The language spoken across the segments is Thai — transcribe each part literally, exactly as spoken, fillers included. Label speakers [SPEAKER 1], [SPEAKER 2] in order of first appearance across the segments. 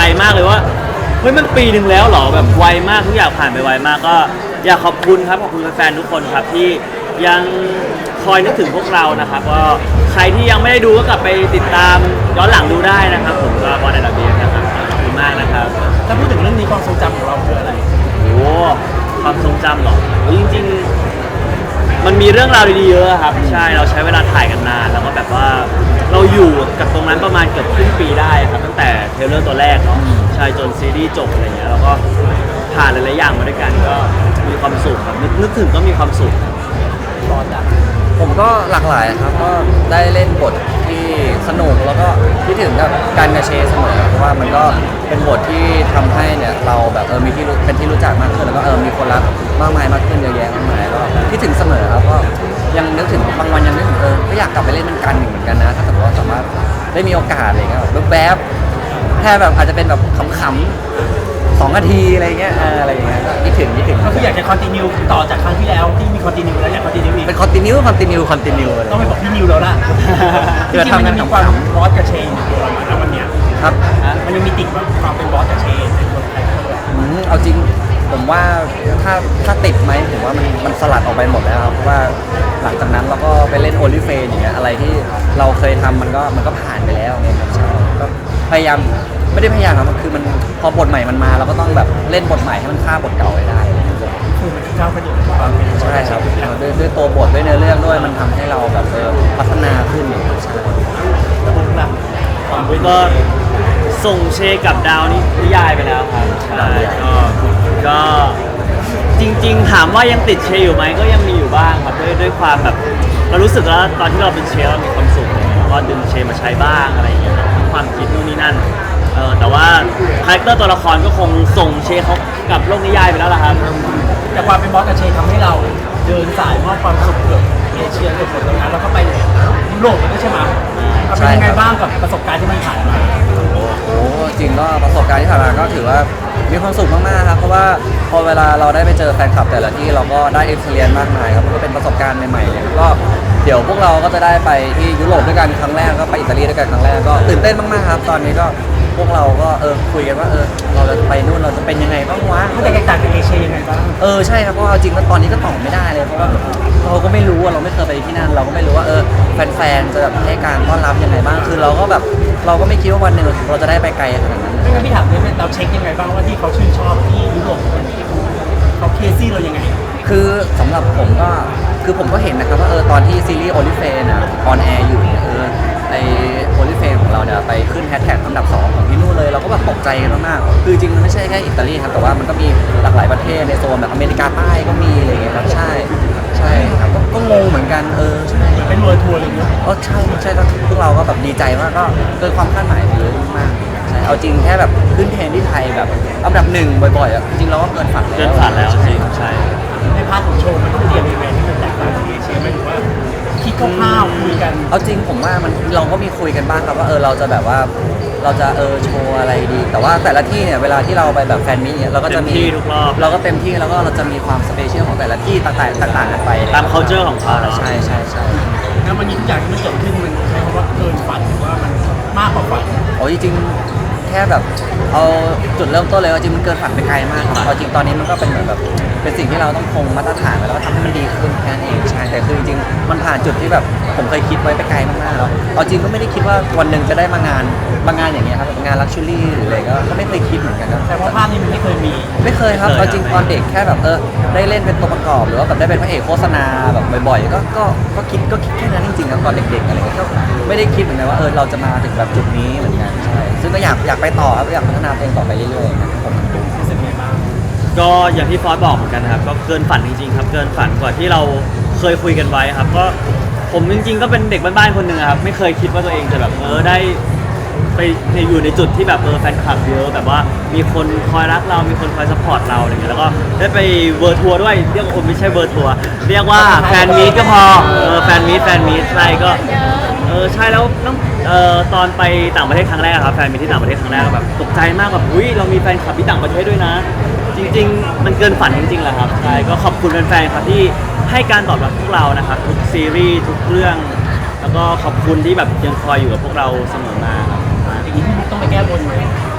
[SPEAKER 1] มากเลยว่าเฮ้ยมันปีหนึ่งแล้วเหรอแบบไวมากทุกอย่างผ่านไปไวมากก็อยากขอบคุณครับขอบคุณแฟนๆทุกคนครับที่ยังคอยนึกถึงพวกเรานะครับก็ใครที่ยังไม่ได้ดูก็กลับไปติดตามย้อนหลังดูได้นะครับผมก็บอลในระเบียบนะครับขอบคุณมากนะครับ
[SPEAKER 2] ถ้าพูดถึงเรื่องนี้ความทรงจำของเราคืออะไร
[SPEAKER 1] โอ้ความทรงจำเหรอจริงๆมันมีเรื่องราวดีๆเยอะครับใช่เราใช้เวลาถ่ายกันนานแล้วก็แบบว่าเราอยู่กับตรงนั้นประมาณเกือบครึ่งปีได้ครับตั้งแต่เทรลเลอร์ตัวแรกเนาะใช่จนซีรีส์จบอะไรเงี้ยแล้วก็ผ่านหลายๆอย่างมาด้วยกันก็มีความสุขครับนึกนึกถึงก็มีความสุข
[SPEAKER 2] ร้อนอ่ะ
[SPEAKER 3] ผมก็หลากหลายครับก็ได้เล่นบทที่สนุกแล้วก็คิดถึงกับการกระเชเสมอเพราะว่ามันก็เป็นบทที่ทำให้เนี่ยเราแบบเออมีที่รู้เป็นที่รู้จักมากขึ้นแล้วก็เออมีคนรักมากมายมากขึ้นเยอะแยะมากมายก็คิดถึงเสมอครับก็ยังนึกถึงบางวันยังนึกถึงเออก็อยากกลับไปเล่นมันกันเหมือนกันนะถ้าสมมติว่าสามารถได้มีโอกาสอะไรเงี้ยแบบแวบแค่แบบอาจจะเป็นแบบขำๆสองนาทีอะไรเงี้ยอะไรอย่างเงี้ยคิดถึงคิดถึง
[SPEAKER 2] ก็คืออยากจะคอนติเนียต่อจากครั้งที่แล้วที่มีคอนติเนียแล้วอยากคอนติเนียอีก
[SPEAKER 3] เป็นคอนติเนียคอนติเนียคอนติเนีย
[SPEAKER 2] ต้องไปบอกพี่นิวแล้วล่ะจริงๆมันยังมีความบอสกับเชนอยู่ตัวเราแล้ววันเนี้ย
[SPEAKER 3] ครับ
[SPEAKER 2] มันยังมีติดว่าความเป็นบอสกับเชนเป็นคนไทย
[SPEAKER 3] เอาจริงผมว่าถ้าถ้าติดไหมผมว่ามันมันสลัดออกไปหมดแล้วครับเพราะว่าหลังจากนั้นเราก็ไปเล่นโอลิเฟนอย่างเงี้ยอะไรที่เราเคยทำมันก็มันก็ผ่านไปแล้วไงครับใช่ก็พยายามไม่ได้พยายามครับมันคือมันพอบทใหม่มันมาเราก็ต้องแบบเล่นบทใหม่ให้มันฆ่าบทเก่าให้ได้
[SPEAKER 2] คือมันก้าวกระโดดความเป็น
[SPEAKER 3] ใช่ครับด้วยด้วยตัวบทด้วยเนื้อเรื่องด้วยมันทำให้เราแบบเออพัฒนาขึ้นใช่
[SPEAKER 2] แล้วผมล่ะ
[SPEAKER 1] ผมก็ส่งเชกับดาวนี่นิยายไปแล้วครับใช่ก็ก็จริงๆถามว่ายังติดเชอยู่ไหมก็ยังมีอยู่บ้างครับด้วยด้วยความแบบเรารู้สึกว่าตอนที่เราเป็นเชเรามีความสุขแล้วก็ดึงเชมาใช้บ้างอะไรอย่างเงี้ยทั้งความคิดนู่นนี่นั่นเออแต่ว่าคาแรคเตอร์ตัวละครก็คงส่งเชเขากับโลกนิยายไปแล้วล่ะครับ
[SPEAKER 2] แต่ความเป็นบอสกับเชทำให้เราเดินสายมอบความสุขเกือบเอเชียเกือบหมดตรงนั้นแล้วก็ไปยุโรปด้วยใช่ไหมเป็นยังไงบ้างกับประสบการณ์ที่มันผ่านมา
[SPEAKER 3] โอ้จริงก็ประสบการณ์ที่ผ่านมาก็ถือว่ามีความสุขมากๆครับเพราะว่าพอเวลาเราได้ไปเจอแฟนคลับแต่ละที่เราก็ได้เอ็กซ์เรียนมากมายครับมันก็เป็นประสบการณ์ใหม่ๆเนี่ยก็เดี๋ยวพวกเราก็จะได้ไปที่ยุโรปด้วยกันครั้งแรกก็ไปอิตาลีด้วยกันครั้งแรกก็ตื่นเต้นมากๆครับตอนนี้ก็พวกเราก็เออคุยกันว่าเออเราจะไปนู่นเราจะเป็นยังไงบ้างวะ
[SPEAKER 2] มันจะแตกต่างจากเอเชียยังไงบ้าง
[SPEAKER 3] เออใช่ครับเพราะเอาจริงแล้วตอนนี้ก็ตอบไม่ได้เลยเพราะว่าเราก็ไม่รู้ว่าเราไม่เคยไปที่นั่นเราก็ไม่รู้ว่าเออแฟนๆจะแบบให้การต้อนรับยังไงบ้างคือเราก็แบบเราก็ไม่คิดว่าวันหนึ่งเราจะได้ไปไกลขนาดนั้น
[SPEAKER 2] ไม่งั้นพี่ถามเลยเราเช็คยังไงบ้างว่าที่เขาชื่นชอบที่ยุโรปเขาเคซี่เรายังไง
[SPEAKER 3] คือสำหรับผมก็คือผมก็เห็นนะครับว่าเออตอนที่ซีรีส์โอลิเฟนอ่ะออนแอร์อยู่เนี่ยเออไอโอลิเฟนของเราเนี่ยไปขึ้นแฮชแท็กอันดับสองของที่นู่นเลยเราก็แบบตกใจกันมากๆคือจริงมันไม่ใช่แค่อิตาลีครับแต่ว่ามันก็มีหลากหลายประเทศในโซนแบบอเมริกาใต้ก็มีอะไรเงี้ยครับใช่ใช่ครับก็งงเหมือนกันเออใช่
[SPEAKER 2] เป็นเวอร์ทัวร์เลยเนาะ
[SPEAKER 3] อ๋อใช่ใช่พวกเราก็แบบดีใจมากก็เกินความคาดหมายเยอะมากใช่เอาจริงแค่แบบขึ้นเทรนที่ไทยแบบอันดับหนึ่งบ่อยๆอ่ะจริงเราก็เกินฝัน
[SPEAKER 1] เกินฝันแล้วจริงใช่
[SPEAKER 2] ในพาร์ทของโชว์มันต้องเตรียมยังไงที่มันแตกต่างจากเอเชียไหมหรือว่าคิดคร่าวๆคุยกัน
[SPEAKER 3] เอาจริงผมว่ามันเราก็มีคุยกันบ้างครับว่าเออเราจะแบบว่าเราจะเออโชว์อะไรดีแต่ว่าแต่ละที่เนี่ยเวลาที่เราไปแบบแฟนมิตเนี่ยเราก็จะมีเราก็เต็มที่แล้วก็เราจะมีความสเปเชียลของแต่ละที่ต่างๆต่างๆกันไป
[SPEAKER 1] ตาม culture ของเขา
[SPEAKER 3] ใช่ใช่ใช่
[SPEAKER 2] แล้วมันมีทุกอย่างที่มันเกิดขึ้นมันใช้คำว่าเกินฝันหรือว่ามันมากกว่าฝัน
[SPEAKER 3] โอ้ยจริงแค่แบบเอาจุดเริ่มต้นเลยว่าจริงมันเกินฝันไปไกลมากครับเอาจริงตอนนี้มันก็เป็นเหมือนแบบเป็นสิ่งที่เราต้องคงมาตรฐานไว้แล้วก็ทำให้มันดีขึ้นแค่นั้นเองใช่แต่คือจริงมันผ่านจุดที่แบบผมเคยคิดไว้ไปไกลมากๆแล้วเอาจริงก็ไม่ได้คิดว่าวันหนึ่งจะได้มางานบางงานอย่างเงี้ยครับงานลักชัวรี่หรืออะไรก็ไม่เคยคิดเหมือนกันครับ
[SPEAKER 2] แต่ว่าภาพนี้มันไม่เคยมี
[SPEAKER 3] ไม่เคยครับเอาจริงตอนเด็กแค่แบบเออได้เล่นเป็นตัวประกอบหรือว่าแบบได้เป็นพระเอกโฆษณาแบบบ่อยๆก็ก็ก็คิดก็คิดแค่นั้นจริงๆครับตอนเด็กๆอะไรเงี้ยก็ไม่ได้คิดเหมือนกันว่าเออเราจะมาถึงแบบจุดนี้เหมือนกันใช่ซึ่งก็อยากอยากไปต่อครับอยากพัฒนาตัวเองต่อไปเรื่อยๆนะครับ
[SPEAKER 2] รู้สึกไงบ้าง
[SPEAKER 1] ก็อย่างที่ฟอสบอกเหมือนกันครับก็เกินฝันจริงๆครับเกินฝันกว่าที่เราเคยคุยกันไว้ครับก็ผมจริงๆก็เป็นเด็กบ้านๆคนหนึ่งครับไม่เคยคิดว่าตัวเองจะแบบเออได้ไปอยู่ในจุดที่แบบเออแฟนคลับเยอะแบบว่ามีคนคอยรักเรามีคนคอยซัพพอร์ตเราอะไรเงี้ยแล้วก็ได้ไปเวอร์ทัวร์ด้วยเรียกว่าไม่ใช่เวอร์ทัวร์เรียกว่าแฟนมีตก็พอเออแฟนมีตแฟนมีตใช่ก็เออใช่แล้วต้องเอ่อตอนไปต่างประเทศครั้งแรกครับแฟนมีที่ต่างประเทศครั้งแรกแบบตกใจมากแบบอุ้ยเรามีแฟนคลับที่ต่างประเทศด้วยนะจริงๆมันเกินฝันจริงๆแหละครับใช่ก็ขอบคุณแฟนๆครับที่ให้การตอบรับพวกเรานะครับทุกซีรีส์ทุกเรื่องแล้วก็ขอบคุณที่แบบยังคอยอยู่กับพวกเราเสมอมาครับ
[SPEAKER 2] อย่างนี้พี่บุ๊กต้องไปแก้บนไหม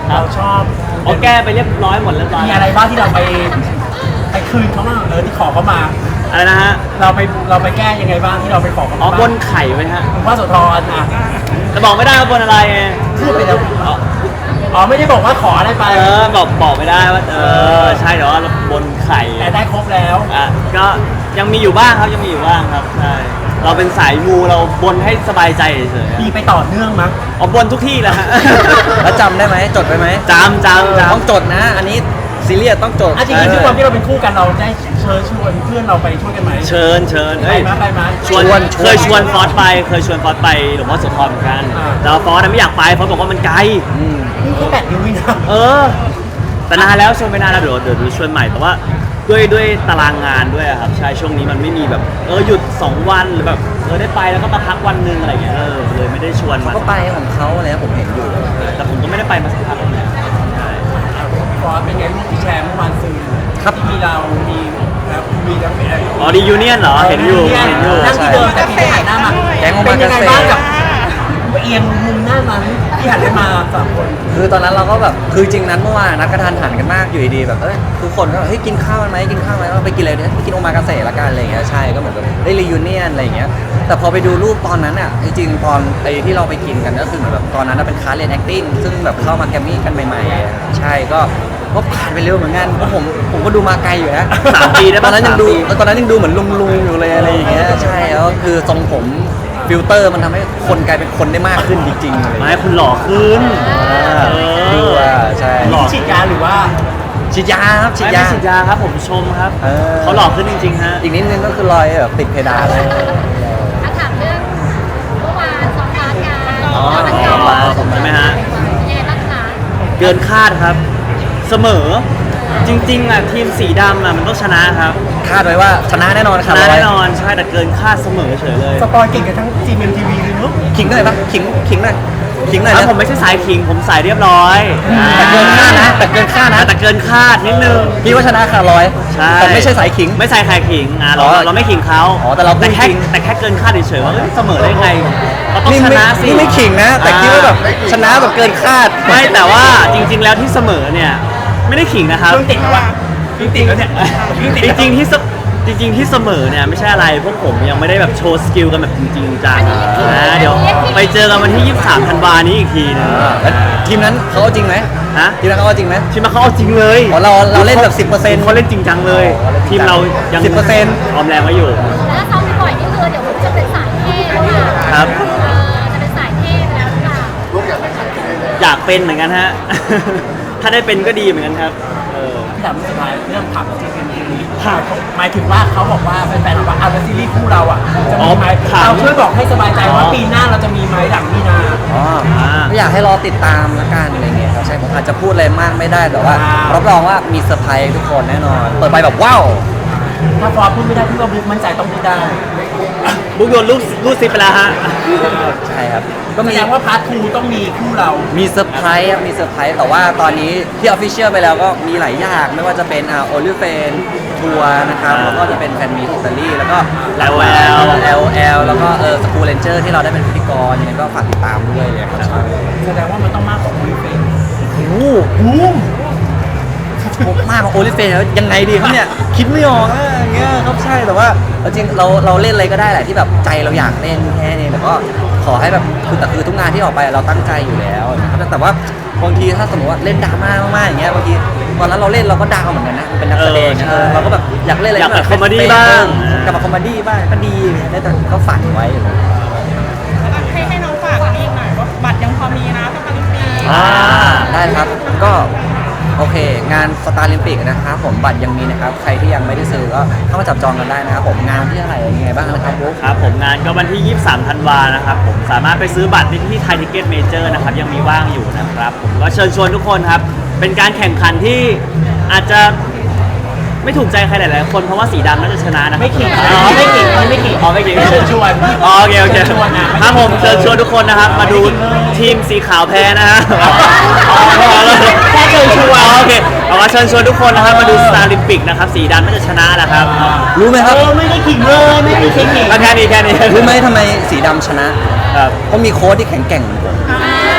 [SPEAKER 2] เราชอบ
[SPEAKER 1] โอแก้ไปเรียบร้อยหมดเรียบร้อย
[SPEAKER 2] มีอะไรบ้างที่เราไปไปคืนเขาบ้างเออที่ขอเขามา
[SPEAKER 1] อะไรนะฮะ
[SPEAKER 2] เราไปเราไปแก้ยังไงบ้างที่เราไปขอเขา
[SPEAKER 1] อ๋อ
[SPEAKER 2] มา
[SPEAKER 1] บนไข่ไว้ฮะ
[SPEAKER 2] หลวงพ่อโสธรอ่ะ
[SPEAKER 1] แต่บอกไม่ได้ว่าบนอะไรไง
[SPEAKER 2] ขึ้นไปแล้ว
[SPEAKER 1] อ๋อ
[SPEAKER 2] อ๋อไม่ได้บอกว่าขออะไรไป
[SPEAKER 1] เออบอกบอกไม่ได้ว่าเออใช่แต่ว่าบนไข่
[SPEAKER 2] แต่ได้ครบแล้ว
[SPEAKER 1] อ่ะก็ยังมีอยู่บ้างครับยังมีอยู่บ้างครับใช่เราเป็นสายมูเราบนให้สบายใจเฉยๆ
[SPEAKER 2] มีไปต่อเนื่องมั้ง
[SPEAKER 1] อ๋อบนทุกที่แหละฮะ
[SPEAKER 3] แล้วจำได้ไหมจดไปไหม
[SPEAKER 1] จำจำจ
[SPEAKER 3] ต้องจดนะ อันนี้ซีเรียสต้องจด
[SPEAKER 2] อ่ะจริงๆด้วยความที่เราเป็นคู่กันเราได้เชิญชวนเพื่อนเราไปช่วยกันไหม
[SPEAKER 1] ำเชิญเชิญ
[SPEAKER 2] ไป
[SPEAKER 1] เฮ้ย
[SPEAKER 2] มาไปมา
[SPEAKER 1] ชวน
[SPEAKER 3] ชวน
[SPEAKER 1] เคยชวนฟอสไปเคยชวนฟอสไปหลวงพ่อโสธรเหมือนกัน
[SPEAKER 2] อ่า
[SPEAKER 1] แต่ว่าฟอสน่ะไม่อยากไปฟอสบอกว่ามันไกล
[SPEAKER 3] อืม
[SPEAKER 2] นี่แค่แปดนิ้วเองนะ
[SPEAKER 1] เออ แต่นานแล้วชวนไปนานแล้วเดี๋ยวเดี๋ยวชวนใหม่แต่ว่าด้วยด้วยตารางงานด้วยอะครับใช่ช่วงนี้มันไม่มีแบบเออหยุดสองวันหรือแบบเออได้ไปแล้วก็มาพักวันหนึงอะไรเงี้ยเออเลยไม่ได้ชวน
[SPEAKER 3] เขา
[SPEAKER 1] มา
[SPEAKER 3] ก็ไปของเขาอะไรนะผมเห็นอยู่
[SPEAKER 1] แต่ผมก็ไม่ได้ไปมาสักพักแล้วใช่
[SPEAKER 2] ฟอสเป็นไงรูปที่แชร์เมื่อวานซื้อ
[SPEAKER 3] ครับ
[SPEAKER 2] ที่มีเรามีแล้วมีแล้วมีอะไร
[SPEAKER 1] อ๋อดียูเนียนเหรอเห็นอยู่เห็นอยู่
[SPEAKER 2] นั่งที่เดิมแต่พี่หันหน้ามา
[SPEAKER 3] แก๊งโอ
[SPEAKER 2] เป็
[SPEAKER 3] มาน
[SPEAKER 2] ยั
[SPEAKER 3] กาง
[SPEAKER 2] ไง
[SPEAKER 3] เซ่
[SPEAKER 2] บ้างกับเอียงมุมหน้านั้นที่หันมาสามคน
[SPEAKER 3] คือตอนนั้นเราก็แบบคือจริงนั้นเมื่อวานนัดกระทานหันกันมากอยู่ดีๆแบบเอ้ยทุกคนก็แบบเฮ้ยกินข้าวกันไหมกินข้าวไหมเราไปกินอะไรเนี่ยไปกินโอมากาเสะละกันอะไรอย่างเงี้ยใช่ก็เหมือนแบบได้รียูเนียนอะไรอย่างเงี้ยแต่พอไปดูรูปตอนนั้นอ่ะจริงๆตอนไอ้ที่เราไปกินกันก็คือเหมือนแบบตอนนั้นน่ะเป็นคลาสเรียน acting ซึ่งแบบเข้ามาแกรมมี่กันใหม่ๆอะใช่ก็ก็ผ่านไปเร็วเหมือนกันเพราะผมผมก็ดูมาไกลอยู่นะ
[SPEAKER 1] สามปีได้
[SPEAKER 3] ต
[SPEAKER 1] ปะ
[SPEAKER 3] อนนั้นยังดู
[SPEAKER 1] สามปี
[SPEAKER 3] ตอนนั้นยังดูเหมือนลุงลุงๆอยู่เลยอะไรอย่างเงี้ยใช่แล้วคือทรงผมฟิลเตอร์มันทำให้คนกลายเป็นคนได้มากขึ้นจริงๆอะไรอย่าง
[SPEAKER 1] ไม่
[SPEAKER 3] เงี้ย
[SPEAKER 1] คุณหล่อขึ้น
[SPEAKER 3] อ่า
[SPEAKER 1] เออ
[SPEAKER 3] ดูว่าใช่
[SPEAKER 1] หล่อ
[SPEAKER 2] ฉีดยาหรือว่า
[SPEAKER 3] ฉีดยาครับฉีด
[SPEAKER 1] ไม่
[SPEAKER 3] ยา
[SPEAKER 1] ไม่ฉีดยาครับผมชมครับ
[SPEAKER 3] เออ
[SPEAKER 1] เขาหล่อขึ้นจริงๆฮะ
[SPEAKER 3] อีกนิดนึงก็คือรอยแบบติดเพดานเลย
[SPEAKER 4] ถ้าถามเรื่องเมื่อวานซ้อมบาสกัน
[SPEAKER 1] อ๋อ
[SPEAKER 4] แล้วมัน
[SPEAKER 1] ซ้อมบาสใช่ไหมฮะ
[SPEAKER 4] ยังไงบ้างคะ
[SPEAKER 1] เกินคาดครับ เสมอ จริงๆอ่ะทีมสีดำอ่ะมันต้องชนะครับ
[SPEAKER 3] คาดไว้ว่าชนะแน่นอน
[SPEAKER 1] ช
[SPEAKER 3] ครับ
[SPEAKER 1] นะ
[SPEAKER 3] ร้ย
[SPEAKER 1] แน่นอนใช่แต่เกินคาดเสมอเฉยเลย
[SPEAKER 2] สปอยเก่งกันทั้งจีเอ็มทีวีเลยเนาะ
[SPEAKER 3] ขิงหน่อยปะขิงขิงหน่อยขิงหน่อย
[SPEAKER 1] แล้
[SPEAKER 3] นะ
[SPEAKER 1] วผมไม่ใช่สายขิงผมสายเรียบร้อย
[SPEAKER 3] แต่เกินคาดนะแต่เกินคาดนะ
[SPEAKER 1] แต่เกินคาดนิดนึง
[SPEAKER 3] พี่ว่าชนะขาดร้อย
[SPEAKER 1] ใช่
[SPEAKER 3] แต่ไม่ใช่สายขิง
[SPEAKER 1] ไม่ใส่ใครขิงอ่ะเรา
[SPEAKER 3] อ๋อ
[SPEAKER 1] เราไม่ขิงเขา
[SPEAKER 3] อ๋อแต่เราพูด
[SPEAKER 1] แค่
[SPEAKER 3] จริง
[SPEAKER 1] แต่แค่เกินคาดเฉยๆว่าเอ้ยเสมอได้ไงเราต้อง
[SPEAKER 3] นี่
[SPEAKER 1] ช
[SPEAKER 3] ไม่
[SPEAKER 1] นะสิ
[SPEAKER 3] นี่ไม่ขิงนะ แต่คิดว่าแบบชนะแบบเกินคาด
[SPEAKER 1] ไม่แต่ว่าจริง ๆ แล้วที่เสมอเนี่ยไม่ได้ขิงนะครับ
[SPEAKER 2] เครื่องติดแล้วว่ะเครื่องติดแล้วเนี่ยเครื่องติด
[SPEAKER 1] จ
[SPEAKER 2] แล้ว
[SPEAKER 1] ริงๆที่เสจริง ๆ ที่เสมอเนี่ยไม่ใช่อะไรพวกผมยังไม่ได้แบบโชว์สกิลกันแบบจริงๆจังนะเดี๋ยวไปเจอกันวันที่ ยี่สิบสาม ธันวานี้อีกทีนึง
[SPEAKER 3] อ่าแล้วทีมนั้นเขาเอาจริงไหม
[SPEAKER 1] ฮะ
[SPEAKER 3] ทีมนั้นเขาเอาจริงไหม
[SPEAKER 1] ทีมเขาเอาจริงเลย
[SPEAKER 3] อ๋อเราเราเล่นแบบสิบเปอร์เซ็นต์
[SPEAKER 1] เขาเล่นจริงจังเลย ทีมเรายัง
[SPEAKER 3] สิบเปอร์เซ็นต์
[SPEAKER 1] ออมแรงไว้อยู่
[SPEAKER 4] แล้วซ้อมบ่อยๆนี่คือเดี๋ยวผมจะเป็นสายเท่แล้วล่ะ
[SPEAKER 1] ครับ
[SPEAKER 4] เออจะเป็นสายเท่ไปแล้วหรือเปล่า
[SPEAKER 1] อยากเป็นเหมือนกันฮะ ถ้าได้เป็นก็ดีเหมือนกันครับเออ
[SPEAKER 2] พี่ถามสุดท้ายเรื่องถามจีเอ็มทีวีหมายถึงว่าเขาบอกว่าแฟนๆบอกว่าเอาแล้วซีรีส์คู่เราอ่ะจะมีไหมเราช่วยบอกให้สบายใจว่าปีหน้าเราจะมีไหมหลังมีนา
[SPEAKER 3] อ๋อ
[SPEAKER 1] อ่า
[SPEAKER 3] ก็อยากให้รอติดตามละกันอะไรเงี้ยครับใช่ผมอาจจะพูดอะไรมากไม่ได้แต่ว่ารับรองว่ามีเซอร์ไพรส์ทุกคนแน่นอน เปิดไปแบบว้าว
[SPEAKER 2] ถ้าฟอร์ดพูดไม่ได้พี่ก็บุ๊กมั่นใจต้องพูดได้
[SPEAKER 1] บุ๊กโดนลูกลูกซิปไปแล้วฮะ
[SPEAKER 3] ใช่ครับ ก็
[SPEAKER 2] แส
[SPEAKER 3] มี
[SPEAKER 2] ดงว่าพาร์ททูต้องมีคู่เรา
[SPEAKER 3] มีเซอร์ไพรส์ครับมีเซอร์ไพรส์แต่ว่าตอนนี้ที่ออฟฟิเชียลไปแล้วก็มีหลายอย่างไม่ว่าจะเป็นอ่าโอลิเฟนทัวร์นะครับ
[SPEAKER 1] อ่า
[SPEAKER 3] แล้วก็จะเป็นแฟนมีตอิตาลีแล้วก็
[SPEAKER 1] แอล
[SPEAKER 3] แอ
[SPEAKER 1] แอล
[SPEAKER 3] ลแอลแอลแล้วก็เออสกูเลนเจอร์ที่เราได้เป็นพิธีกรยังไงก็ฝากติดตามด้วยเลยครับ
[SPEAKER 2] แสดงว่ามันต้องมากกว่าโอลิเฟน
[SPEAKER 3] โอ้โห
[SPEAKER 2] บูม
[SPEAKER 3] มากกว่าโอลิเฟนแล้วยังไงดีครับเนี่ย คิดไม่ออกอะอย่างเงี้ยครับใช่แต่ว่าเอาจริงเราเราเล่นอะไรก็ได้แหละที่แบบใจเราอยากเล่นแค่นี้แต่ก็ขอให้แบบคือแต่คือทุกงานที่ออกไปเราตั้งใจอยู่แล้วนะครับแต่ว่าบางทีถ้าสมมติว่าเล่นดราม่ามากๆอย่างเงี้ยบางทีตอนนั้นเราเล่นเราก็ดาวเหมือนกันนะเป็นนักแสดง
[SPEAKER 1] เออใช่
[SPEAKER 3] เออเราก็แบบอยากเล่นอะไร
[SPEAKER 1] อยาก
[SPEAKER 3] ที่แบบ
[SPEAKER 1] คอมเมดี้บ้าง
[SPEAKER 3] กลับมาคอมเมดี้บ้างก็ดีได้แต่ก็ฝันไว้
[SPEAKER 5] ให้ให้น้องฝากอันนี้อีกหน่อยว่าบัตรยังพอมีนะสตาร์ลิมปี
[SPEAKER 3] อ่าได้ครับก็โอเค งานสตาร์ลิมปิกนะครับผมบัตรยังมีนะครับใครที่ยังไม่ได้ซื้อก็เข้ามาจับจองกันได้นะครับผมงานที่อะไรยังไงบ้างนะครับบุ๊ค
[SPEAKER 1] ครับผมงานก็วันที่ ยี่สิบสาม ธันวานะครับผมสามารถไปซื้อบัตรได้ที่ไทยทิเก็ตเมเจอร์นะครับยังมีว่างอยู่นะครับผมก็เชิญชวนทุกคนครับ เป็นการแข่งขันที่อาจจะไม่ถูกใจใครหลายๆคนเพราะว่าสีดำน่าจะชนะนะ
[SPEAKER 2] ไม่ขิง
[SPEAKER 1] อ๋อ
[SPEAKER 2] ไม่ขิงไม่ขิง
[SPEAKER 1] อ๋อไม่ขิง
[SPEAKER 2] เชิญชวน
[SPEAKER 1] อ๋อโอเคโอเค
[SPEAKER 2] เชิญชวนนะ
[SPEAKER 1] ครับผมเชิญชวนทุกคนนะครับ มาดูทีมสีขาวแพ้นะฮะอ๋อ
[SPEAKER 2] แค่เชิญชวน
[SPEAKER 1] อ๋อโอเคเอาว่าเชิญชวนทุกคนนะครับมาดูสตาร์ลิมปิกนะครับสีดำน่าจะชนะนะครับ
[SPEAKER 3] รู้ไหมครับ
[SPEAKER 2] เออไม่ได้ขิงเลยไม่ได้ขิง
[SPEAKER 1] ก็แค่นี้แค่นี้
[SPEAKER 3] รู้ไหมทำไมสีดำชนะ
[SPEAKER 1] ครับ
[SPEAKER 3] เพราะมีโค้ดที่แข็งแกร่งเหมือนผม
[SPEAKER 1] ไม่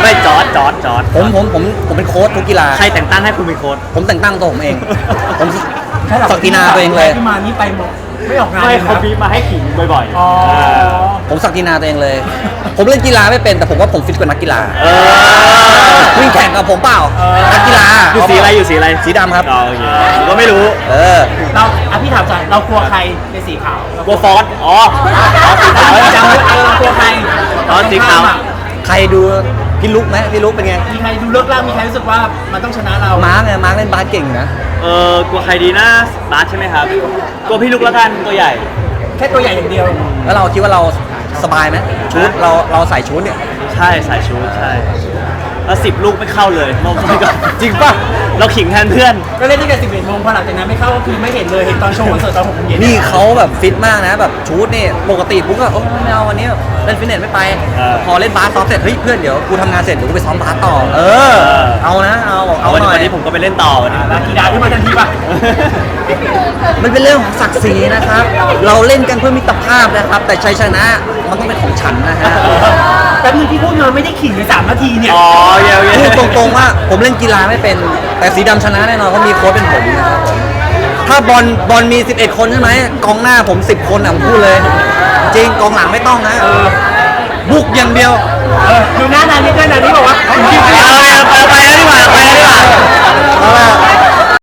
[SPEAKER 1] ไม่จอร์ดจอร์ดจอร์ด
[SPEAKER 3] ผมผมผมผมเป็นโค้ชทุกกีฬา
[SPEAKER 1] ใครแต่งตั้งให้คุณเป็นโค้ช
[SPEAKER 3] ผมแต่งตั้งตัวผมเอง ผม
[SPEAKER 2] แค่หลั
[SPEAKER 3] ศักดินาตัวเองเลย
[SPEAKER 2] ขึ้นมานี่ไปหมดไม่ออกงาน
[SPEAKER 1] ไม่
[SPEAKER 2] เลย
[SPEAKER 1] เขา
[SPEAKER 2] นะ
[SPEAKER 1] บีบมาให้ขิงบ่อยๆ
[SPEAKER 2] อ๋อ
[SPEAKER 1] เออ
[SPEAKER 3] ผมศักดินาตัวเองเลย ผมเล่นกีฬาไม่เป็นแต่ผมว่าผมฟิตกว่านักกีฬา
[SPEAKER 1] เออ
[SPEAKER 3] วิ่งแข่งกับผมเปล่า
[SPEAKER 2] เออ
[SPEAKER 3] นักกีฬา
[SPEAKER 1] อยู่สีอะไรอยู่สีอะไร
[SPEAKER 3] สีดำครับ
[SPEAKER 1] อ๋อโอเคผมก็ไม่รู้
[SPEAKER 3] เออ
[SPEAKER 2] เราอ่ะพี่ถามใจเรากลัวใครในสีขาวเรา
[SPEAKER 1] กลัวฟอสอ๋ออ๋อสีขาว
[SPEAKER 2] จำไว้เออกลัวใคร
[SPEAKER 1] อ๋อสีขาว
[SPEAKER 3] ใครดูพี่ลุกไหมพี่ลุกเป็นไง
[SPEAKER 2] มีใครดูเลิกล่างมีใครรู้สึกว่ามันต้องชนะเรา
[SPEAKER 3] มาร์กไงมาร์กเล่นบาสเก่งนะ
[SPEAKER 1] เออกลัวใครดีนะบาสใช่ไหมครับกลัวพี่ลุกแล้วกันตัวใหญ่
[SPEAKER 2] แค่ตัวใหญ่อย่างเดียว
[SPEAKER 3] แล้วเราคิดว่าเราสบายไหมชุดเราเราใส่ชุดเนี่ย
[SPEAKER 1] ใช่สายชูใช่แล้วสิบลูกไม่เข้าเลยรอบนี้ก็
[SPEAKER 3] จริงป่ะ
[SPEAKER 1] เราขิงแทนเพื่อน
[SPEAKER 2] ก็เล่นตั้งแต่สิบเอ็ดโมงพอหลังจากนั้นไม่เข้าก็คือไม่เห็นเลยเห็นตอนโชว์คอนเสิร์ตตอนหกโมงเย็น
[SPEAKER 3] นี่เขาแบบฟิตมากนะแบบชุดนี่ปกติปุ๊กก็โอ้ไม่เอาวันนี้เล่นฟิตเนสไม่ไป
[SPEAKER 1] เออ
[SPEAKER 3] พอเล่นบาสซ้อมเสร็จเฮ้ยเพื่อนเดี๋ยวกูทำงานเสร็จเดี๋ยวกูไปซ้อมบาสต่อ เออ เอานะเอา
[SPEAKER 1] เอา
[SPEAKER 3] เอา
[SPEAKER 1] วัน
[SPEAKER 3] ห
[SPEAKER 1] นี้
[SPEAKER 3] น่อย
[SPEAKER 1] วันนี้ผมก็ไปเล่นต่อวันนี้
[SPEAKER 2] กีฬาที่มาทันทีป่ะ
[SPEAKER 3] มันเป็นเรื่องของศักดิ์ศรีนะครับ เราเล่นกันเพื่อมิตรภาพนะครับ แต่ชัยชนะมันต้องเป็นของฉันนะฮะ
[SPEAKER 2] แป๊บนึงที่พูดมาไม่ได้ขิงเลยสามนาทีเนี่ย
[SPEAKER 1] อ๋อเย้เย้
[SPEAKER 3] พูดตรงๆว่าผมเล่นกีฬาไม่เป็นแต่สีดำชนะแน่นอนเขาะมีโค้ชเป็นผมนะครับผมถ้าบอลบอลมีสิบเอ็ดคนใช่ไหมกองหน้าผมสิบคนอ่ะผมพูดเลย จริงกองหลังไม่ต้องนะบุกอย่างเดียว
[SPEAKER 2] เออดูหน้านานี้ด้วยนานี้บอกว่า
[SPEAKER 1] เอาไปเอาไปแล้วดีกว่าไปแล้วดีกว่า
[SPEAKER 3] เอาล่ะ